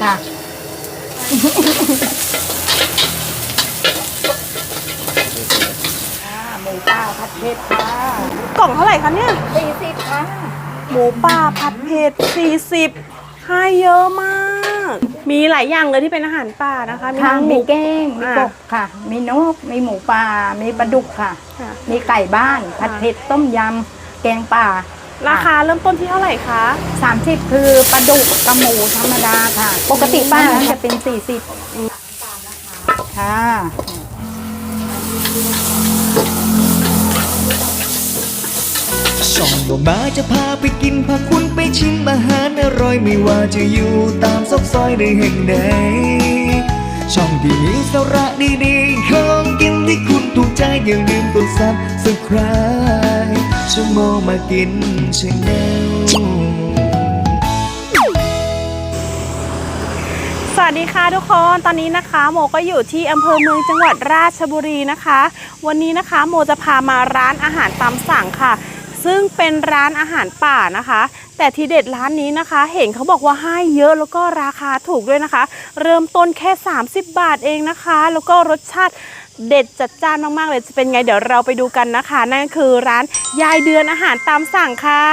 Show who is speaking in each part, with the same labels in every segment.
Speaker 1: ค่ะหมูป่าผัดเผ็ดค่ะ
Speaker 2: กล่องเท่าไหร่คะเนี่ย
Speaker 1: 40ค่ะ
Speaker 2: หมูป่าผัดเผ็ด40ให้เยอะมาก มีหลายอย่างเลยที่เป็นอาหารป่านะคะมีทั้งหมู
Speaker 1: แก้งมีกบค่ะมีนกมีหมูป่ามีปลาดุกค่ะมีไก่บ้านผัดเผ็ดต้มยำแกงป่า
Speaker 2: ราคาเริ่มต้นที่เท่าไหร่คะ
Speaker 1: 30คือปลาดุกกับหมูธรรมดาค่ะปกติป้าจะเป็น40ค่ะ
Speaker 3: ช่องบ่มาจะพาไปกินพาคุณไปชิมอาหารอร่อยไม่ว่าจะอยู่ตามซอกซอยในแห่งใดช่องที่มีสาระดีๆของกินที่คุณถูกใจอย่าลืมกดซับสไครบ์ช่องโมมากินชาแนล
Speaker 2: สวัสดีค่ะทุกคนตอนนี้นะคะโมก็อยู่ที่อำเภอเมืองจังหวัดราชบุรีนะคะวันนี้นะคะโมจะพามาร้านอาหารตามสั่งค่ะซึ่งเป็นร้านอาหารป่านะคะแต่ทีเด็ดร้านนี้นะคะเห็นเขาบอกว่าให้เยอะแล้วก็ราคาถูกด้วยนะคะเริ่มต้นแค่30 บาทเองนะคะแล้วก็รสชาติเด็ดจัดจ้านมากๆเลยจะเป็นไงเดี๋ยวเราไปดูกันนะคะนั่นคือร้านยายเดือนอาหารตามสั่งค่ะ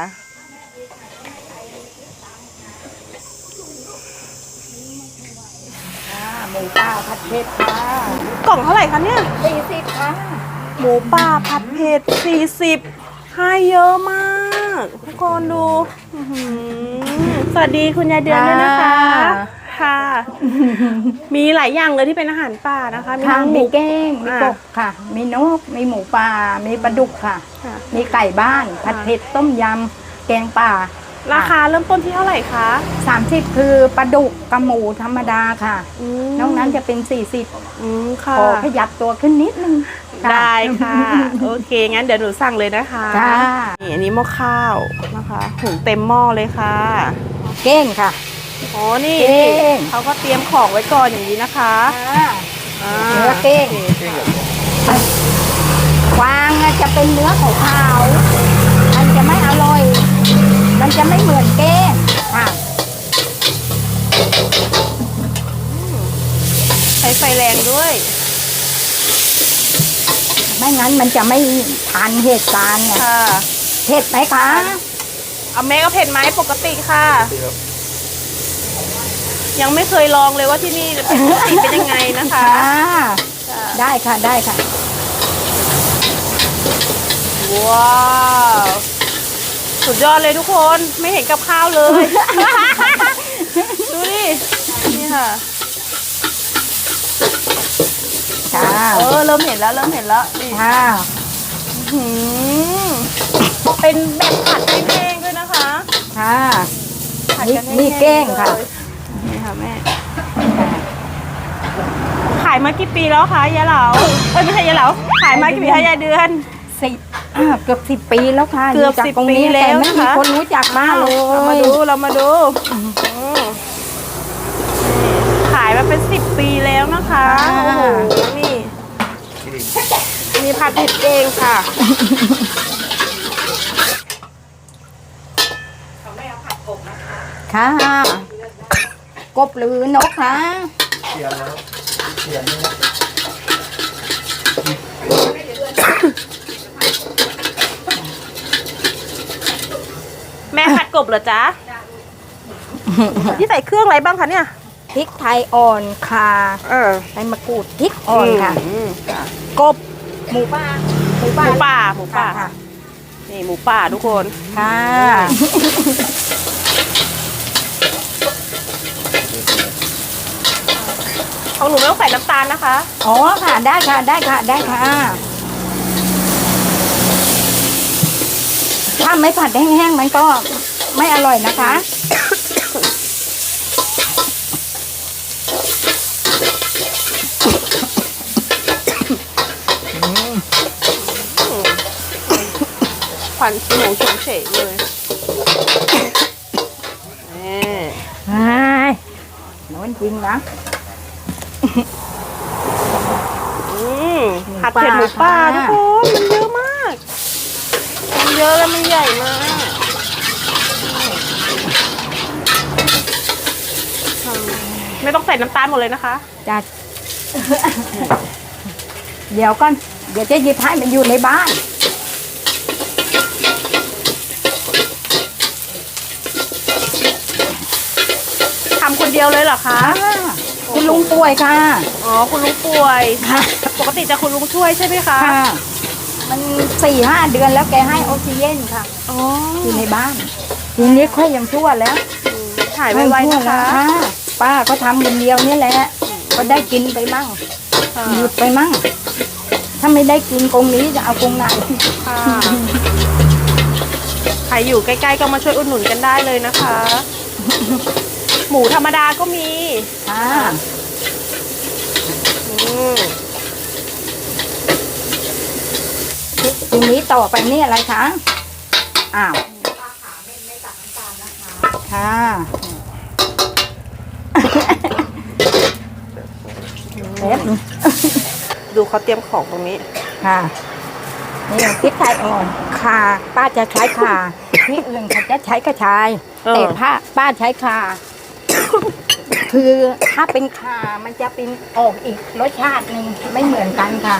Speaker 1: หมูป่าผัดเผ็ดค่ะ
Speaker 2: กล่องเท่าไหร่คะเนี่ย
Speaker 1: 40ค่ะ
Speaker 2: หมูป่าผัดเผ็ด40ให้เยอะมากทุกคนดูสวัสดีคุณยายเดือนด้วยนะคะค่ะมีหลายอย่างเลยที่เป็นอาหารป่านะคะ
Speaker 1: มีทั้งหมูแก้งมีกบค่ะมีนกมีหมูป่ามีปลาดุกค่ะมีไก่บ้านผัดเผ็ดต้มยำแกงป่า
Speaker 2: ราคาเริ่มต้นที่เท่าไหร่คะ
Speaker 1: 30คือปลาดุกกับหมูธรรมดาค่ะนอกนั้นจะเป็น40
Speaker 2: ค่ะ
Speaker 1: ขอขยับตัวขึ้นนิดนึง
Speaker 2: ได้ค่ะโอเคงั้นเดี๋ยวหนูสั่งเลยนะคะนี่อันนี้หม้อข้าวนะคะหุงเต็มหม้อเลยค่ะ
Speaker 1: เก้งค่ะ
Speaker 2: อ๋อนี่เขาก็เตรียมของไว้ก่อนอย่างนี้นะคะ
Speaker 1: เนื้อเก้งกวางจะเป็นเนื้อขาวๆมันจะไม่อร่อยมันจะไม่เหมือนเก้งค่ะ
Speaker 2: ใช้ไฟแรงด้วย
Speaker 1: ไม่งั้นมันจะไม่ทันเหตุการณ์ไงเผ็ดไหมคะ
Speaker 2: เอาแม่ก็เผ็ดไหมปกติค่ะยังไม่เคยลองเลยว่าที่นี่เป็นยังไงนะคะ
Speaker 1: ได้ค่ะได้ค่ะ
Speaker 2: ว้าวสุดยอดเลยทุกคนไม่เห็นกับข้าวเลยดูดินี่ค่ะเริ่มเห็นแล้วนี่
Speaker 1: ค่ะ
Speaker 2: เป็นแบบผัดแห้งๆด้วยนะคะ
Speaker 1: ค่ะนี่แกงค่ะ
Speaker 2: นี่ค่ะแม่ขายมากี่ปีแล้วคะยายเหลาไม่ใช่ยายเหลาขายมากี่ปีคะยายเดือน
Speaker 1: เกือบ10 ปีแล้วค่ะ
Speaker 2: เกือบ10 ปีแล้ว
Speaker 1: นะคะ คนรู้จักมากเลย
Speaker 2: เรามาดูขายมาเป็น10 ปีแล้วนะคะโอ้โหนี่มีผัดเผ็ดเองค่ะเขาไม่เอาผัดกบนะคะ
Speaker 1: ค่ะกบหรือนกคะ
Speaker 2: แม่ผัดกบเหรอจ๊ะที่ใส่เครื่องอะไรบ้างคะเนี่ย
Speaker 1: พริกไทยอ่อนข่าใบมะกรูดพริกอ่อนค่ะกบหมูป่า
Speaker 2: นี่หมูป่าทุกคน
Speaker 1: ค่ะ
Speaker 2: ของหนูไม่ต้องใส่น้ำตาลนะคะ
Speaker 1: อ๋อค่ะได้ค่ะถ้าไม่ผัดแห้งๆมันก็ไม่อร่อยนะคะ
Speaker 2: ควันหมูเฉยๆเลย
Speaker 1: น้อนจริงนะ
Speaker 2: ผัดเผ็ดหมูป่าทุกคนมันเยอะมากมันเยอะแล้วมันใหญ่มากไม่ต้องใส่น้ำตาลหมดเลยนะคะ
Speaker 1: จัด เดี๋ยวก่อน เดี๋ยวจะหยิบให้มันอยู่ในบ้าน
Speaker 2: ทำคนเดียวเลยเหรอคะ
Speaker 1: คุณลุงป่วยค่ะ
Speaker 2: อ๋อ คุณลุงป่วย
Speaker 1: ค่ะ
Speaker 2: ปกติจะคุณลุงช่วยใช่ไหมคะ
Speaker 1: ค่ะ มัน4-5 เดือนแล้วแกให้ออกซิเจนค่ะ
Speaker 2: อ๋อ
Speaker 1: อยู่ในบ้าน ทีนี้ค่อยยังชั่วแล้ว
Speaker 2: หายไวๆนะคะ
Speaker 1: ค่ะป้าก็ทำคนเดียวนี่แหละ ก็ได้กินไปมั่ง
Speaker 2: ค่ะ
Speaker 1: หยุดไปมั่ง ถ้าไม่ได้กินกรงนี้จะเอากรงไหน
Speaker 2: ค่ะใครอยู่ใกล้ๆก็มาช่วยอุดหนุนกันได้เลยนะคะ หมูธรรมดาก็มี
Speaker 1: ค่ะ
Speaker 2: อืม
Speaker 1: ทีนี้ต่อไปนี่อะไรคะ อ้าวค่ะ เล็บ
Speaker 2: ดูเขาเตรียมของตรงนี้
Speaker 1: ค่ะนี่พริกไทยอ่อนข่าป้าจะใช้ข่าที่อื่นเขาจะใช้กระชาย แต่ป้าใช้ข่า คือถ้าเป็นข่ามันจะเป็นออกอีกรสชาติหนึ่งไม่เหมือนกันค่ะ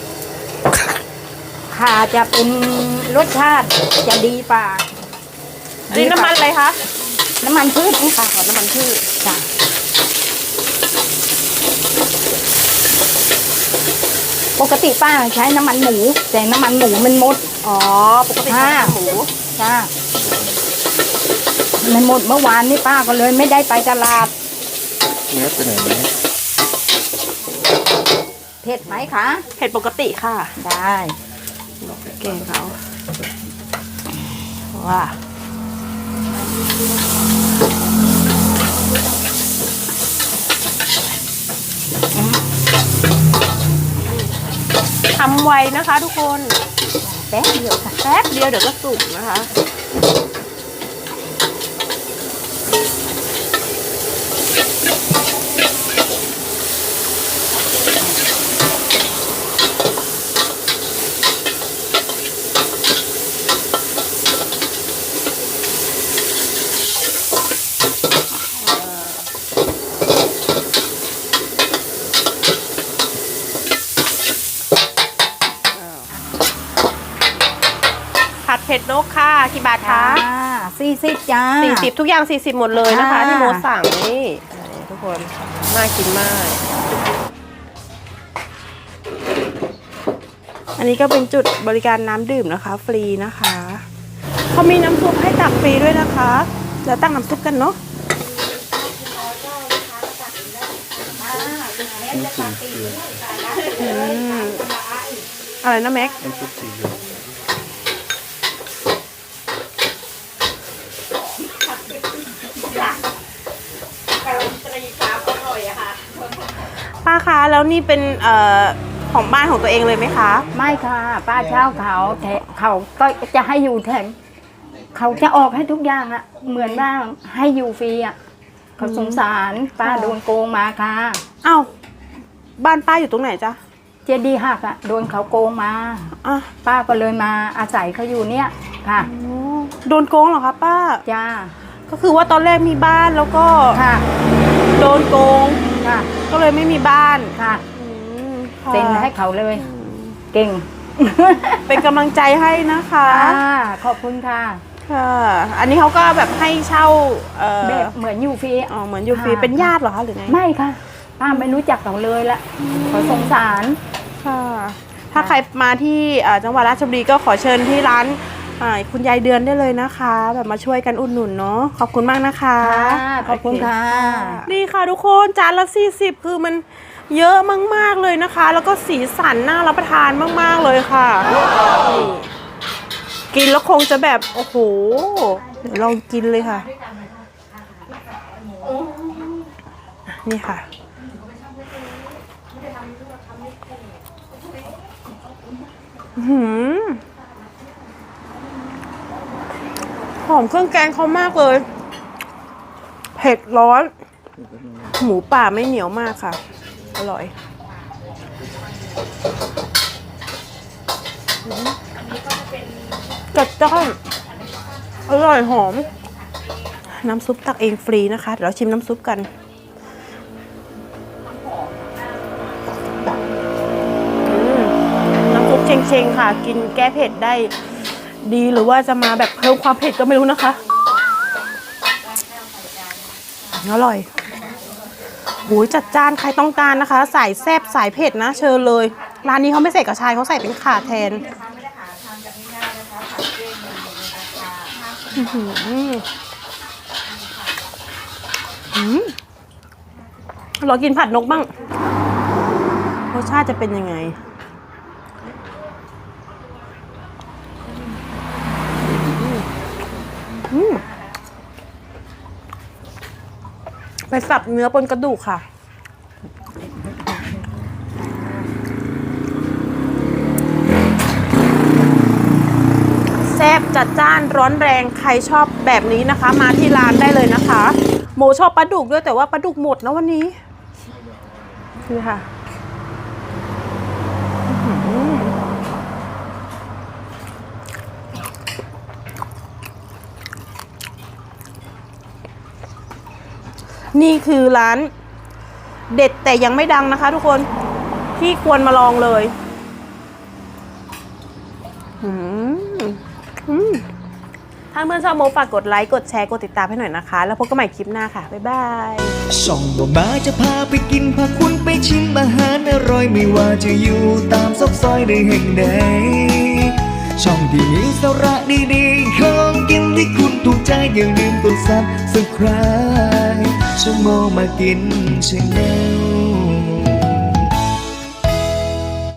Speaker 1: ข่าจะเป็นรสชาติจะดีกว่า
Speaker 2: อันนี้น้ำมันอะไรคะ
Speaker 1: น้ำมันพืชนี่ค่ะ
Speaker 2: ขอน้ำมันพืช
Speaker 1: จ้ะปกติป้าใช้น้ำมันหมูแต่น้ำมันหมูมันหมด
Speaker 2: อ๋อ ปกติใช้น้ำมันหมู
Speaker 1: จ้ามันหมดเมื่อวานนี่ป้าก็เลยไม่ได้ไปตลาด
Speaker 3: เนื้อเป็นไหน
Speaker 1: เผ็ดไหมคะ
Speaker 2: เผ็ดปกติค่ะ
Speaker 1: ได้
Speaker 2: เก่งเขาว้าทำไวนะคะทุกคน
Speaker 1: แป๊บเดียวค่ะ
Speaker 2: แป๊บเดียวเดี๋ยวก็สุกนะคะ ผัดเผ็ดนกค่ะกี่บาทคะ
Speaker 1: 40จ้า
Speaker 2: 40 ทุกอย่าง 40 หมดเลยนะคะ
Speaker 1: ค่ะ
Speaker 2: ที่โมสั่งนี่ทุกคนน่ากินมาก อันนี้ก็เป็นจุดบริการน้ำดื่มนะคะ ฟรีนะคะเขามีน้ำซุปให้ตักฟรีด้วยนะคะเดี๋ยวตั้งน้ำซุปกันเนาะอะไรนะแม็ก
Speaker 3: น้ำซุปสีเหลือง
Speaker 2: ป้าคะแล้วนี่เป็นของบ้านของตัวเองเลยไหมคะ
Speaker 1: ไม่ค่ะ ป้าเช่าเขาแต่เขาก็จะให้อยู่แถมเขาจะออกให้ทุกอย่างอะเหมือนว่าให้อยู่ฟรีอะเขาสงสารป้าโดนโกงมาค่ะ
Speaker 2: อ้าวบ้านป้าอยู่ตรงไหนจ๊ะ
Speaker 1: เจดีย์หักอะโดนเขาโกงมา
Speaker 2: อ่ะ
Speaker 1: ป้าก็เลยมาอาศัยเขาอยู่เนี่ยค่ะ
Speaker 2: โดนโกงเหรอคะป้า
Speaker 1: จ้า
Speaker 2: ก็คือว่าตอนแรกมีบ้านแล้วก็
Speaker 1: ค่ะ
Speaker 2: โดนโกง
Speaker 1: ค่ะ
Speaker 2: ก็เลยไม่มีบ้าน
Speaker 1: ค่ะ
Speaker 2: ค่ะ
Speaker 1: เซ็นให้เขาเลย เก่ง
Speaker 2: เป็นกำลังใจให้นะคะ
Speaker 1: ค่ะขอบคุณค่ะ
Speaker 2: ค่ะ อันนี้เขาก็แบบให้เช่า
Speaker 1: แบบเหมือนอยู่ฟรี
Speaker 2: อ๋อเหมือนอยู่ฟรี
Speaker 1: ค่ะ
Speaker 2: เป็นญาติเหรอคะหรือไง
Speaker 1: ไม่ค่ะป้าไม่รู้จักเขาเลยละเขาสงสาร
Speaker 2: ค่ะ ถ้าใครมาที่จังหวัดราชบุรีก็ขอเชิญที่ร้านคุณยายเดือนได้เลยนะคะ แบบมาช่วยกันอุดหนุนเนาะขอบคุณมากนะคะ
Speaker 1: ค่ะขอบคุณค่ะ
Speaker 2: นี่ค่ะทุกคนจานละ40คือมันเยอะมากๆเลยนะคะ แล้วก็สีสันน่ารับประทานมากๆเลยค่ะนี่กินแล้วคงจะแบบโอ้โหเดี๋ยวลองกินเลยค่ะนี่ค่ะหอมเครื่องแกงเขามากเลยเผ็ดร้อนหมูป่าไม่เหนียวมากค่ะอร่อยจัดจ้านอร่อยหอมน้ำซุปตักเองฟรีนะคะเดี๋ยวเราชิมน้ำซุปกันเชงค่ะ กินแก้เผ็ดได้ดีหรือว่าจะมาแบบเพิ่มความเผ็ดก็ไม่รู้นะคะอร่อยโหยจัดจ้านใครต้องการนะคะสายแซ่บสายเผ็ดนะเชิญเลยร้านนี้เขาไม่ใส่กระชายเขาใส่เป็นข่าแทนเรากินผัดนกบ้างรสชาติจะเป็นยังไงไปสับเนื้อบนกระดูกค่ะแซ่บจัดจ้านร้อนแรงใครชอบแบบนี้นะคะมาที่ร้านได้เลยนะคะโมชอบปลาดุกด้วยแต่ว่าปลาดุกหมดนะวันนี้นี่ค่ะนี่คือร้านเด็ดแต่ยังไม่ดังนะคะทุกคนที่ควรมาลองเลยถ้าเพื่อนชอบโมฝากกดไลค์กดแชร์กดติดตามให้หน่อยนะคะแล้วพบกันใหม่คลิปหน้าค่ะบ๊ายบาย
Speaker 3: ช่องบ่มาจะพาไปกินพาคุณไปชิมอาหารอร่อยไม่ว่าจะอยู่ตามซอกซอยในแห่งใดช่องที่มีสาระดีๆของกินที่คุณถูกใจอย่าลืมกดซับสไครบ์ช่องโมมากินชาแนล